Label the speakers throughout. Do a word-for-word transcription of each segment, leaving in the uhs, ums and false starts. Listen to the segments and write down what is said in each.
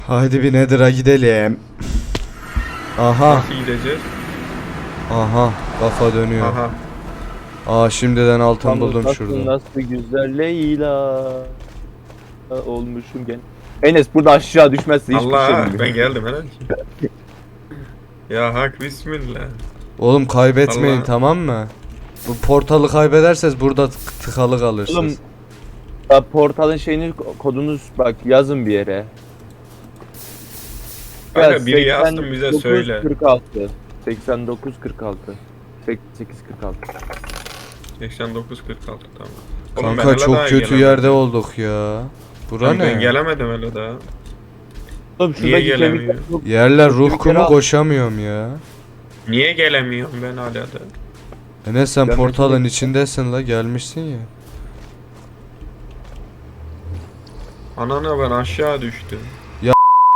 Speaker 1: Haydi bir Nether'a gidelim. Aha.
Speaker 2: Nasıl gideceğiz?
Speaker 1: Aha. Kafa dönüyor.
Speaker 2: Aha.
Speaker 1: Aa şimdiden altın
Speaker 3: Yalnız
Speaker 1: buldum
Speaker 3: nasıl,
Speaker 1: şurada.
Speaker 3: Nasıl güzel Leyla olmuşum gene. Enes burada aşağı düşmezse hiçbir şey
Speaker 2: Allah
Speaker 3: bilmiyorum.
Speaker 2: ben geldim herhalde. Ya hak bismillah.
Speaker 1: Oğlum kaybetmeyin
Speaker 2: Allah.
Speaker 1: tamam mı? Bu portalı kaybederseniz burada tık- tıkalı kalırsınız.
Speaker 3: Oğlum ya portalın şeyini kodunu bak yazın bir yere.
Speaker 2: Kanka biri yazsın bize söyle.
Speaker 3: kırk altı seksen dokuz kırk altı seksen sekiz kırk altı
Speaker 2: seksen dokuz kırk altı tamam. Oğlum ben
Speaker 1: Kanka
Speaker 2: hele
Speaker 1: çok
Speaker 2: daha
Speaker 1: kötü
Speaker 2: gelemedim.
Speaker 1: yerde olduk ya. Bura
Speaker 2: Lan Ben
Speaker 1: ne?
Speaker 2: gelemedim hele daha.
Speaker 3: Oğlum
Speaker 2: Niye
Speaker 3: şuradaki
Speaker 2: gelemiyor?
Speaker 3: kemikler çok-
Speaker 1: Yerler ruh
Speaker 3: Bir kere
Speaker 1: kumu
Speaker 3: al.
Speaker 1: koşamıyorum ya.
Speaker 2: Niye gelemiyorum ben hala da?
Speaker 1: Enes sen
Speaker 3: Ben
Speaker 1: portalın
Speaker 3: mesela-
Speaker 1: içindesin la gelmişsin ya.
Speaker 2: Anana ben aşağı düştüm.
Speaker 3: Ya,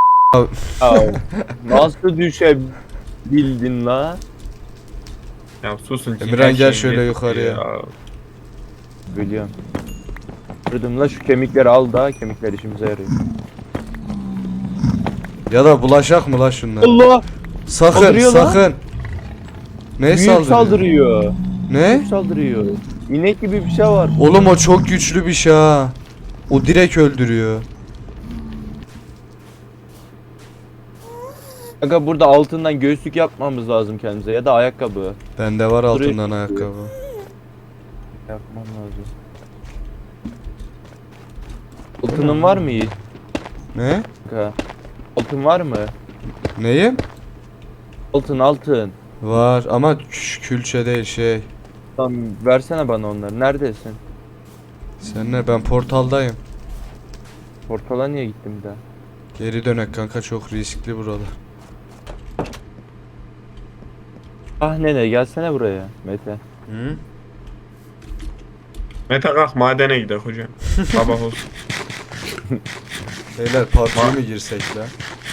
Speaker 3: nasıl düşebildin la?
Speaker 2: Ya susun ki
Speaker 1: Emirhan,
Speaker 2: her
Speaker 1: gel
Speaker 2: şeyin
Speaker 1: şöyle
Speaker 2: yetti
Speaker 1: yukarıya.
Speaker 2: ya.
Speaker 3: Biliyorum. Kırdım la şu kemikleri al da kemikler işimize yarıyor.
Speaker 1: Ya da bulaşak mı la şunlar?
Speaker 3: Allah!
Speaker 1: Sakın
Speaker 3: Saldırıyor lan.
Speaker 1: sakın. Ne
Speaker 3: Büyük
Speaker 1: saldırıyor?
Speaker 3: saldırıyor.
Speaker 1: Ne?
Speaker 3: Büyük saldırıyor. İnek gibi bir şey var.
Speaker 1: Oğlum o çok güçlü bir şey ha. O direkt öldürüyor.
Speaker 3: Kanka burada altından göğüslük yapmamız lazım kendimize ya da ayakkabı.
Speaker 1: Bende var altından
Speaker 3: Direkt-
Speaker 1: ayakkabı.
Speaker 3: Yapmam lazım. Altının var mı Yiğit?
Speaker 1: Ne?
Speaker 3: Kanka. Altın var mı?
Speaker 1: Neyim?
Speaker 3: Altın altın.
Speaker 1: Var ama kü- külçe değil şey.
Speaker 3: Tamam versene bana onları. Neredesin?
Speaker 1: Sen ne? Ben portaldayım.
Speaker 3: Portala niye gittim bir daha?
Speaker 1: Geri dönek kanka, çok riskli buralar.
Speaker 3: Ah nene gelsene buraya Mete.
Speaker 1: Hı?
Speaker 2: Mete kalk madene gidelim hocam. Sabah olsun.
Speaker 1: Beyler P U B G'ye mi girsek la?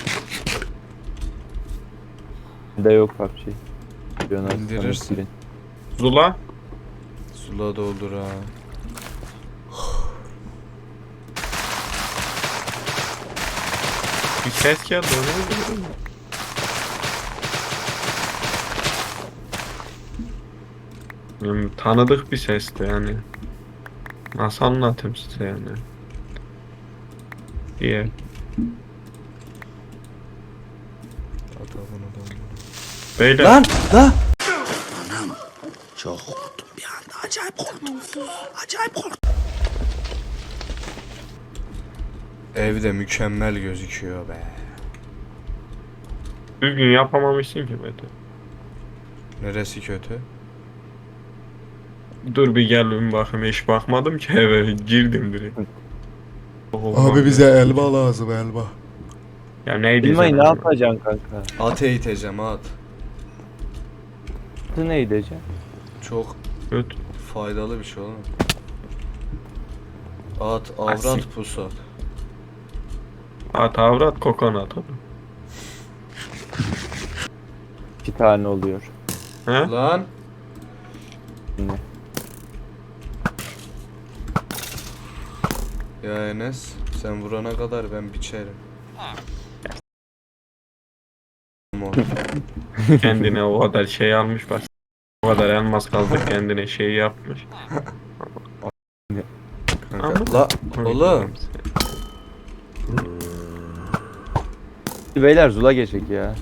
Speaker 3: Bende yok P U B G. Biliyorsun,
Speaker 1: İndirirsin.
Speaker 3: silin.
Speaker 2: Zula.
Speaker 1: Sula doldur ha.
Speaker 2: Bir ses geldi onu mu? Hmm, tanıdık bir sesti yani. Nasıl anlatayım size yani? Diye.
Speaker 1: Ata bunu doldur.
Speaker 2: Beyler.
Speaker 1: Lan! La!
Speaker 4: Çok korktum bir anda. Acayip korktum. Acayip korktum.
Speaker 1: Evde mükemmel gözüküyor be.
Speaker 2: Düzgün yapamamışsın ki Mete.
Speaker 1: Neresi kötü?
Speaker 2: Dur bir gel bir bakayım, hiç bakmadım ki eve girdim direkt.
Speaker 1: Abi bize elma lazım, elma.
Speaker 2: Ya neydi
Speaker 3: Bilmeyi ne
Speaker 2: sen?
Speaker 3: yapacaksın kanka?
Speaker 1: At eğiteceğim at.
Speaker 3: Atı ne edeceksin?
Speaker 1: Çok
Speaker 2: Kötü.
Speaker 1: faydalı bir şey oğlum. At,
Speaker 2: Asil.
Speaker 1: avrat, pusat.
Speaker 2: At avrat kokonat.
Speaker 3: İki tane oluyor.
Speaker 2: He?
Speaker 1: Lan!
Speaker 3: Ne?
Speaker 1: Ya Enes, sen vurana kadar ben biçerim.
Speaker 2: Kendine o kadar şey almış bak. O kadar elmas kaldı kendine şey yapmış.
Speaker 1: Kanka, la oğlum.
Speaker 3: Beyler Zula geçecek ya.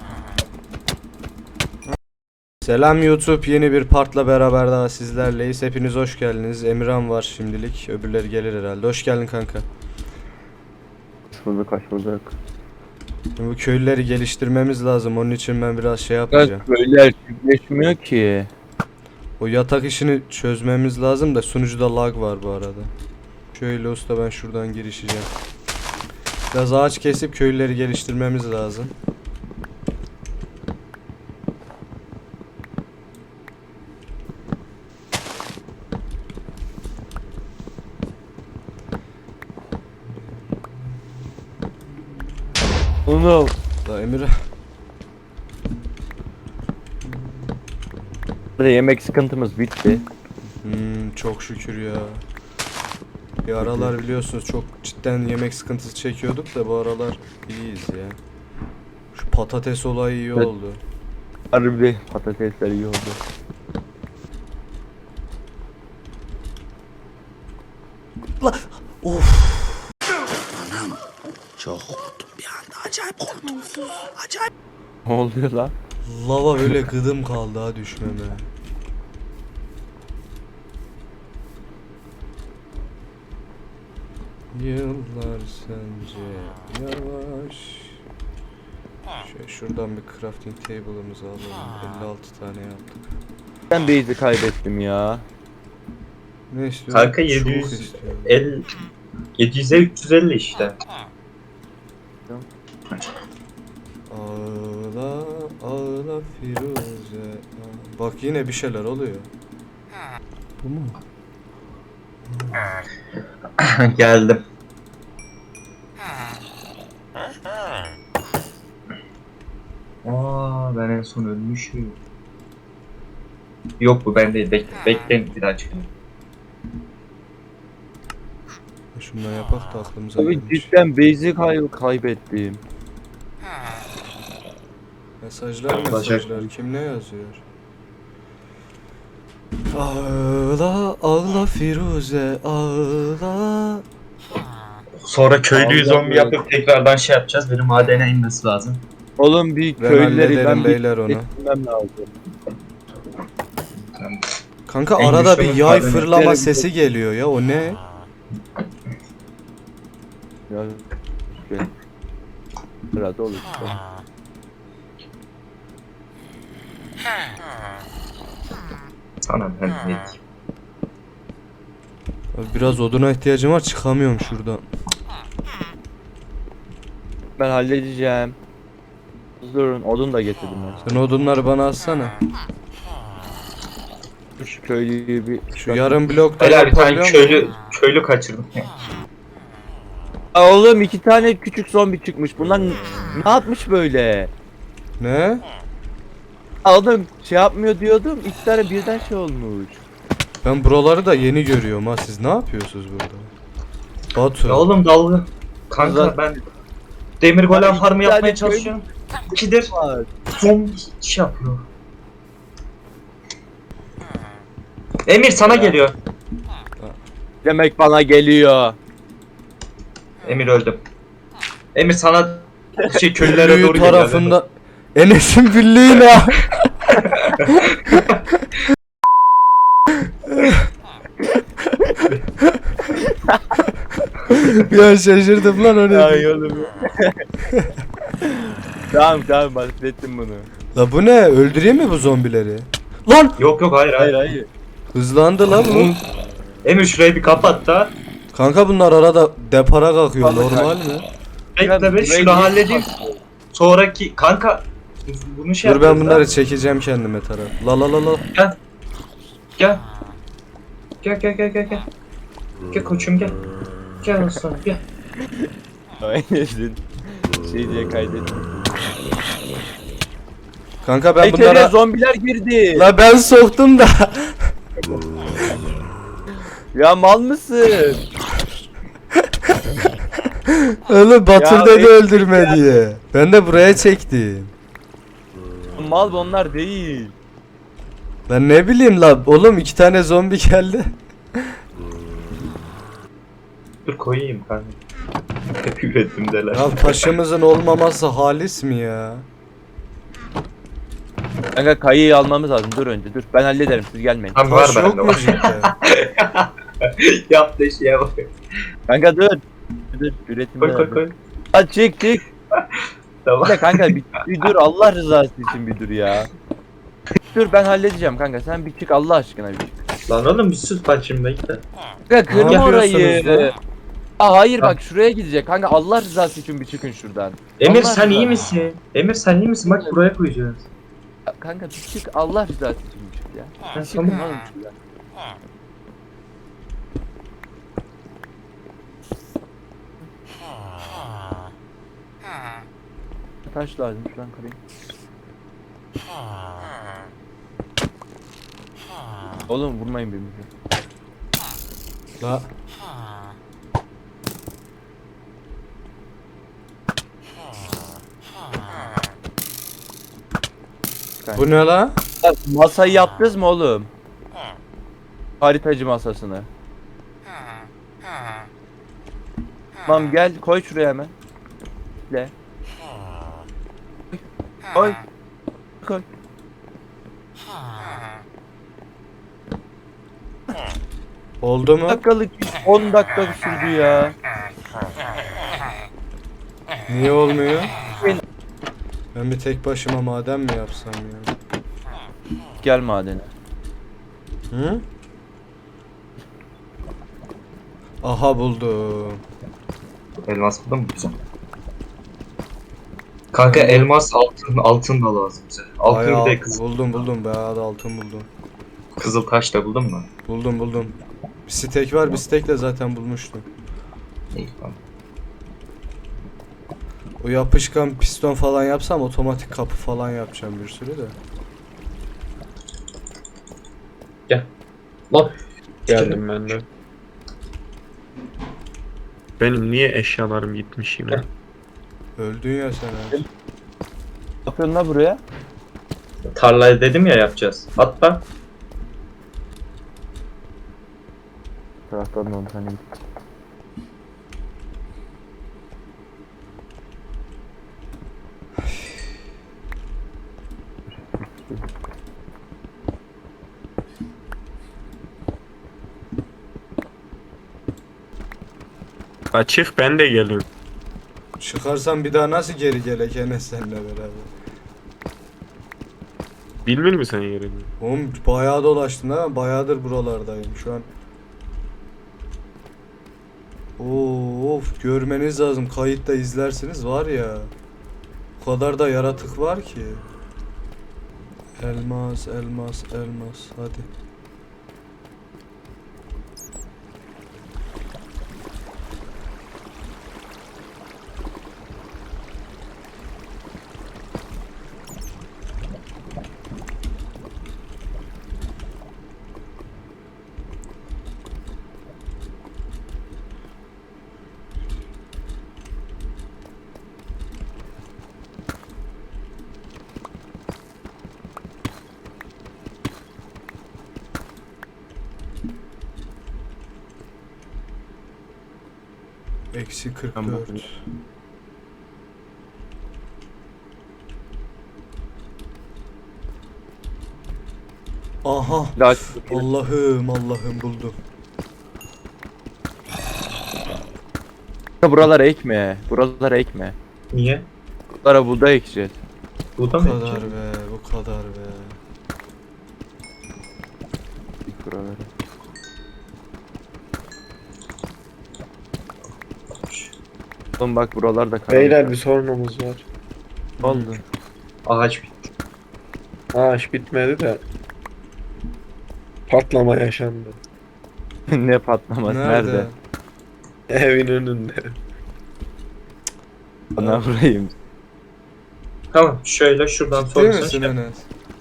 Speaker 1: Selam YouTube, yeni bir partla beraber daha sizlerleyiz. Hepiniz hoş geldiniz. Emirhan var şimdilik, öbürleri gelir herhalde. Hoş geldin kanka.
Speaker 3: Şurada kaç bulduk.
Speaker 1: Şimdi bu köylüleri geliştirmemiz lazım. Onun için ben biraz şey yapacağım.
Speaker 3: Beyler çiftleşmiyor ki.
Speaker 1: O yatak işini çözmemiz lazım da sunucuda lag var bu arada. Şöyle usta, ben şuradan girişeceğim. Biraz ağaç kesip köylüleri geliştirmemiz lazım.
Speaker 3: Onu
Speaker 1: Da Emir,
Speaker 3: Burada yemek sıkıntımız bitti.
Speaker 1: hmm, çok şükür ya. Bir aralar biliyorsunuz çok cidden yemek sıkıntısı çekiyorduk da bu aralar iyiyiz ya. Şu patates olayı iyi
Speaker 3: Evet.
Speaker 1: oldu.
Speaker 3: Harbi patatesler iyi oldu.
Speaker 4: Anam çok korktum bir anda. Acayip korktum. Acayip.
Speaker 3: Ne oluyor lan?
Speaker 1: Lava böyle gıdım kaldı ha düşmeme. Yıllar sence yavaş. Şöyle şuradan bir crafting table'ımızı alalım. elli altı tane yaptık.
Speaker 3: Ben base'i kaybettim ya.
Speaker 1: Ne istiyorsun?
Speaker 5: Kanka
Speaker 1: Çubuk
Speaker 5: yedi yüz
Speaker 1: istiyorum.
Speaker 5: el yedi yüze üç yüz elli işte.
Speaker 1: Ağla ağla Firuze. Aa, bak yine bir şeyler oluyor. Bu mu?
Speaker 5: Geldim. Aa, ben en son ölmüşüm. Yok bu ben değil. Bekle, bekleyin bir daha çıkayım.
Speaker 1: Şundan yapak da aklımıza
Speaker 3: Abi
Speaker 1: gelmiş.
Speaker 3: cidden base'i kay kaybettim.
Speaker 1: Mesajlar
Speaker 5: Başak.
Speaker 1: mesajlar kim ne yazıyor? Ağla ağla Firuze ağla.
Speaker 5: Sonra köylüyü
Speaker 3: Allah
Speaker 5: zombi
Speaker 3: Allah.
Speaker 5: yapıp tekrardan şey yapacağız. Benim madene inmesi lazım.
Speaker 3: Oğlum bir
Speaker 1: Ben
Speaker 3: köylüleri
Speaker 1: hallederim
Speaker 3: ben
Speaker 1: beyler
Speaker 3: bir
Speaker 1: onu.
Speaker 3: getirmem lazım.
Speaker 1: Kanka
Speaker 5: En
Speaker 1: arada
Speaker 5: güçlü
Speaker 1: bir yay
Speaker 5: madeni
Speaker 1: fırlama
Speaker 3: verelim.
Speaker 1: sesi geliyor ya o ne?
Speaker 3: Ya şey. Biraz olur. işte.
Speaker 5: Sana ben ne diyeyim.
Speaker 1: Abi biraz oduna ihtiyacım var çıkamıyorum şuradan.
Speaker 3: Ben halledeceğim. Durun odun da getirdim ben.
Speaker 1: Sen odunları bana atsana.
Speaker 3: Şu köylüyü bir...
Speaker 1: Şu yarım blokta
Speaker 5: Beyler bir tane
Speaker 1: yapabiliyor
Speaker 5: köylü,
Speaker 1: musun?
Speaker 5: köylü kaçırdım.
Speaker 3: Aa, oğlum iki tane küçük zombi çıkmış. Bunlar n- ne yapmış böyle?
Speaker 1: Ne?
Speaker 3: Aa, oğlum şey yapmıyor diyordum. İki tane birden şey olmuş.
Speaker 1: Ben buraları da yeni görüyorum ha siz ne yapıyorsunuz burada? Batu.
Speaker 5: Ya oğlum dalga. Kanka
Speaker 3: Ulan-
Speaker 5: ben demir golem
Speaker 3: Abi,
Speaker 5: farmı
Speaker 3: bir tane
Speaker 5: yapmaya
Speaker 3: köylü-
Speaker 5: çalışıyorum. İkidir
Speaker 3: Var.
Speaker 5: zombi şey yapıyor. Emir sana geliyor.
Speaker 3: Demek bana geliyor.
Speaker 5: Emir öldüm. Emir sana şey köylülere
Speaker 1: Büyü
Speaker 5: doğru geliyor.
Speaker 1: tarafında Enes'in birliği ne? Ya şaşırdım lan o ne?
Speaker 3: Ay oğlum. Tamam tamam bahsettim bunu.
Speaker 1: La bu ne? Öldüreyim mi bu zombileri? Lan!
Speaker 5: Yok yok hayır hayır.
Speaker 3: Hayır hayır.
Speaker 1: Hızlandı lan bu.
Speaker 5: Emir şurayı bir kapat da.
Speaker 1: Kanka bunlar arada depara kalkıyor
Speaker 3: Vallahi
Speaker 1: normal mi?
Speaker 5: Bekle be şunu halledeyim. Sonraki kanka bunu şey
Speaker 1: Dur ben
Speaker 5: yapıyoruz
Speaker 1: bunları
Speaker 5: ha.
Speaker 1: çekeceğim kendime taraf. La la la la.
Speaker 5: Gel. Gel. Gel gel gel gel gel. Gel koçum gel. Gel aslanım gel.
Speaker 3: Aynen. Şey diye kaydettim.
Speaker 1: Kanka ben
Speaker 3: Ben
Speaker 1: bunlara...
Speaker 3: zombiler girdi.
Speaker 1: La ben soktum da.
Speaker 3: Ya mal mısın?
Speaker 1: Oğlum Batur
Speaker 3: Ya
Speaker 1: dedi
Speaker 3: ben-
Speaker 1: öldürme diye. Ben de buraya çektim.
Speaker 3: Mal onlar değil.
Speaker 1: Ben ne bileyim la. Oğlum iki tane zombi geldi.
Speaker 5: Dur koyayım kanka. Hep ürettim deler.
Speaker 1: Ya taşımızın olmaması halis mi ya?
Speaker 3: Kanka kayıyı almamız lazım. Dur önce dur. Ben hallederim siz gelmeyin.
Speaker 5: Tamam var
Speaker 1: Taş yok
Speaker 5: bende
Speaker 1: mu
Speaker 5: var.
Speaker 1: cidden?
Speaker 5: Yaptığı şeye bak.
Speaker 3: Kanka dur. Dur üretimde.
Speaker 5: Koy koy koy.
Speaker 3: Hadi çık çık.
Speaker 5: Tamam.
Speaker 3: Bir de kanka bir, bir dur Allah rızası için bir dur ya. Dur ben halledeceğim kanka sen bir çık Allah aşkına bir çık.
Speaker 5: Lan oğlum bir sus bak şimdi bekle.
Speaker 3: Kanka kırma
Speaker 1: Ne
Speaker 3: orayı.
Speaker 1: yapıyorsunuz lan?
Speaker 3: Aa hayır bak şuraya gidecek kanka Allah rızası için bir çıkın şuradan.
Speaker 5: Emir
Speaker 3: Allah
Speaker 5: sen iyi
Speaker 3: rızası-
Speaker 5: misin? Emir sen iyi misin? Bak buraya koyacağız.
Speaker 3: Kanka bir çık Allah rızası için bir çık ya.
Speaker 5: Ha,
Speaker 3: Bir çıkın
Speaker 5: tamam.
Speaker 3: oğlum şuradan. Taş lazım şuradan kırayım. Oğlum vurmayın birbirinize.
Speaker 1: La. Bu ne la?
Speaker 3: Bak, masayı yaptınız mı oğlum? Haritacı masasını. Tamam gel koy şuraya hemen. Le. Koy. Koy.
Speaker 1: Oldu mu?
Speaker 3: Dakikalık on dakika sürdü ya.
Speaker 1: Niye olmuyor? Ben bir tek başıma maden mi yapsam ya?
Speaker 3: Gel madene.
Speaker 1: Hı? Aha buldum.
Speaker 5: Elmas buldun mu? Güzel. Kanka elmas altın altın da lazım bize. Altın bir
Speaker 1: Bayağı
Speaker 5: de kızıl,
Speaker 1: buldum buldum bayağı da altın buldum.
Speaker 5: kızıl taş da buldun mu?
Speaker 1: Buldum buldum. Bir stek var bir stek de zaten bulmuştum.
Speaker 5: İyi tamam.
Speaker 1: O yapışkan piston falan yapsam otomatik kapı falan yapacağım bir sürü de.
Speaker 5: Lan
Speaker 2: Geldim ben de. Benim niye eşyalarım gitmiş yine?
Speaker 1: Öldün ya sen abi.
Speaker 3: Ne yapıyorsun la buraya?
Speaker 5: tarlayı dedim ya yapacağız. Hatta
Speaker 3: Taraftan on tane.
Speaker 2: Açık ben de geliyorum.
Speaker 1: Çıkarsam bir daha nasıl geri gelek Enes seninle beraber?
Speaker 2: Bilmiyor musun sen yerini?
Speaker 1: Oğlum bayağı dolaştım ha ben bayağıdır buralardayım şu an. Oo, of görmeniz lazım kayıtta izlersiniz var ya. O kadar da yaratık var ki. Elmas elmas elmas hadi. Eksi kırk
Speaker 3: Tamam.
Speaker 1: dört. Aha.
Speaker 3: Daha
Speaker 1: Allah'ım Allah'ım buldum.
Speaker 3: buralara ekme. Buralara ekme.
Speaker 5: niye?
Speaker 3: Buralara buğday ekeceğiz.
Speaker 5: Bu da
Speaker 1: Bu
Speaker 5: mı
Speaker 1: kadar
Speaker 5: yapacağız?
Speaker 1: be bu kadar be.
Speaker 3: Buralara. Oğlum bak buralarda karanlık.
Speaker 2: Beyler bir sorunumuz var.
Speaker 3: Ne oldu?
Speaker 5: Ağaç bitti.
Speaker 2: Ağaç bitmedi de patlama yaşandı.
Speaker 3: Ne patlaması nerede?
Speaker 2: Evin önünde.
Speaker 3: Bana vurayım.
Speaker 5: Tamam şöyle şuradan
Speaker 1: Ciddi
Speaker 5: sonrasına
Speaker 1: misin
Speaker 5: şey.
Speaker 1: Enes?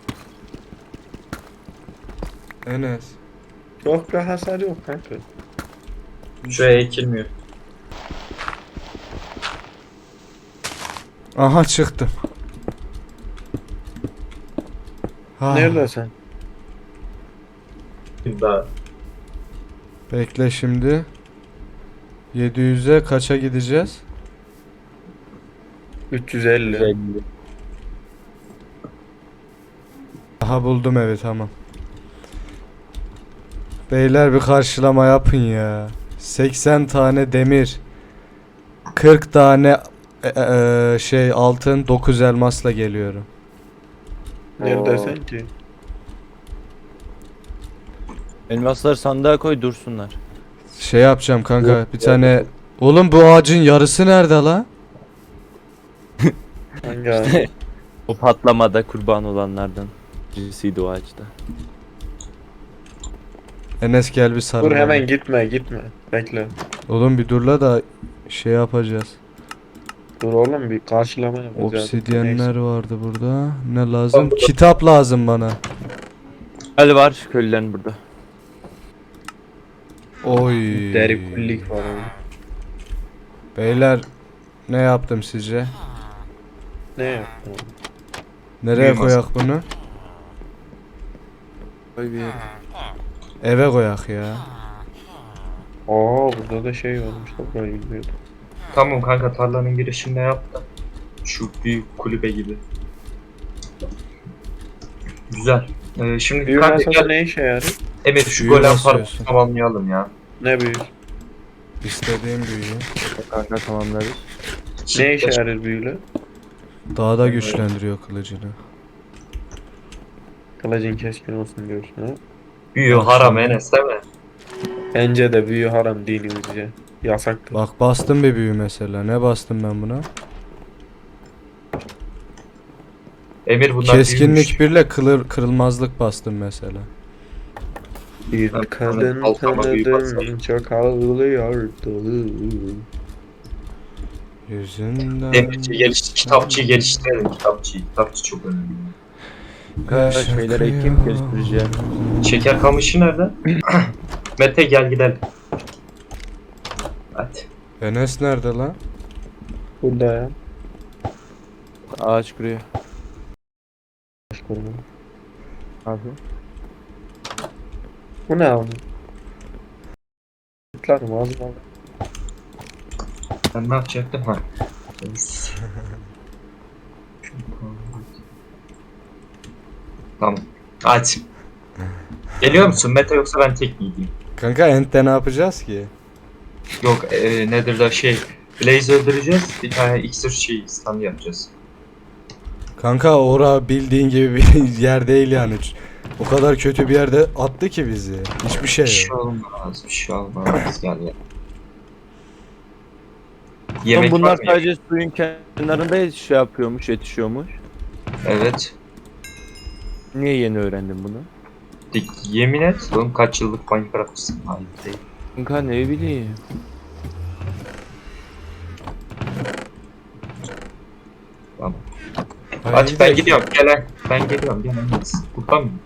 Speaker 1: Enes.
Speaker 2: Çok bir hasar yok kanka.
Speaker 5: Şuraya ekilmiyor.
Speaker 1: Aha çıktım. Ha,
Speaker 2: Nerede sen?
Speaker 5: Daha
Speaker 1: bekle şimdi. yedi yüze kaça gideceğiz?
Speaker 2: üç yüz elli.
Speaker 3: Güzel.
Speaker 1: Aha buldum evi tamam. Beyler bir karşılama yapın ya. seksen tane demir. kırk tane e, e, şey altın dokuz elmasla geliyorum.
Speaker 2: Neredesin ki?
Speaker 3: Elmasları sandığa koy dursunlar.
Speaker 1: Şey yapacağım kanka
Speaker 3: Yok,
Speaker 1: bir tane. Oğlum bu ağacın yarısı nerede la?
Speaker 2: Hangi ağaç?
Speaker 3: O patlamada kurban olanlardan birisiydi o ağaçta.
Speaker 1: Enes gel bir sarıl.
Speaker 2: Dur
Speaker 1: bana.
Speaker 2: hemen gitme gitme. Bekle.
Speaker 1: Oğlum bir durla da şey yapacağız.
Speaker 2: Dur oğlum bir karşılama yapacağız.
Speaker 1: Obsidyenler vardı burada. Ne lazım? Kitap lazım bana.
Speaker 3: Hadi var köylülerin burada.
Speaker 1: Oy.
Speaker 2: Deri kullik var orada.
Speaker 1: Beyler ne yaptım sizce?
Speaker 2: Ne yaptın?
Speaker 1: Nereye
Speaker 5: Büyü masa.
Speaker 1: koyak bunu?
Speaker 3: Koy bir yere.
Speaker 1: Eve koyak ya.
Speaker 2: Aa burada da şey varmış da burayı bilmiyordum.
Speaker 5: Tamam kanka tarlanın girişinde yap da. Şu büyük kulübe gibi. Güzel. Ee, şimdi
Speaker 2: Büyü
Speaker 5: kanka
Speaker 2: masası
Speaker 5: gel.
Speaker 2: ne işe yarar?
Speaker 5: Emir şu
Speaker 1: Büyü
Speaker 5: golem
Speaker 1: basıyorsun.
Speaker 5: parkuru tamamlayalım ya.
Speaker 2: Ne büyü?
Speaker 1: İstediğim büyüyü.
Speaker 3: Kanka tamamlarız.
Speaker 2: Ne işe yarar büyüyle?
Speaker 1: Daha da güçlendiriyor kılıcını.
Speaker 2: Kılıcın keskin olsun diyorsun ha?
Speaker 5: Büyü haram Enes değil mi?
Speaker 2: Bence de büyü haram dinimizce. Yasaktır.
Speaker 1: Bak bastım bir büyü mesela. Ne bastım ben buna?
Speaker 5: Emir bunlar
Speaker 1: Keskinlik
Speaker 5: büyümüş.
Speaker 1: birle kılır, kırılmazlık bastım mesela.
Speaker 2: Bir
Speaker 5: Ben
Speaker 2: kadın
Speaker 5: kalkama büyü
Speaker 2: tanıdım
Speaker 5: basarım.
Speaker 2: çok ağlıyordu.
Speaker 1: Yüzünden...
Speaker 5: Demirci geliş, kitapçıyı geliştirelim kitapçıyı. Kitapçı çok önemli.
Speaker 3: Kanka şeyleri ekeyim geliştireceğim.
Speaker 5: Şeker kamışı nerede? Mete gel gidelim. Hadi.
Speaker 1: Enes nerede lan?
Speaker 2: Burada ya.
Speaker 3: Ağaç kuruyor.
Speaker 2: Başka ne?
Speaker 3: Abi.
Speaker 2: Bu ne abi? Kutlarım ağzıma.
Speaker 5: Ben ne yapacaktım ha? Tamam. Hadi. Geliyor musun Mete yoksa ben tek mi gideyim?
Speaker 1: Kanka Ent'te ne yapacağız ki?
Speaker 5: Yok e, nedir da şey Blaze öldüreceğiz bir tane iksir şey stand yapacağız.
Speaker 1: Kanka ora bildiğin gibi bir yer değil yani. O kadar kötü bir yerde attı ki bizi. Hiçbir şey
Speaker 5: Bir şey
Speaker 1: yok.
Speaker 5: olmaz bir şey olmaz gel ya.
Speaker 3: Yemek
Speaker 5: Yemek
Speaker 3: bunlar
Speaker 5: var mı?
Speaker 3: sadece suyun kenarında şey yapıyormuş, yetişiyormuş.
Speaker 5: Evet.
Speaker 3: Niye yeni öğrendin bunu?
Speaker 5: Dik- Yemin et oğlum kaç yıllık Minecraft'sın. Hayır değil.
Speaker 3: Kanka ne bileyim.
Speaker 5: Tamam.
Speaker 1: Hayır,
Speaker 5: Hadi ben
Speaker 1: gidelim.
Speaker 5: gidiyorum gel lan. Ben geliyorum gel Enes. Burada mıyım?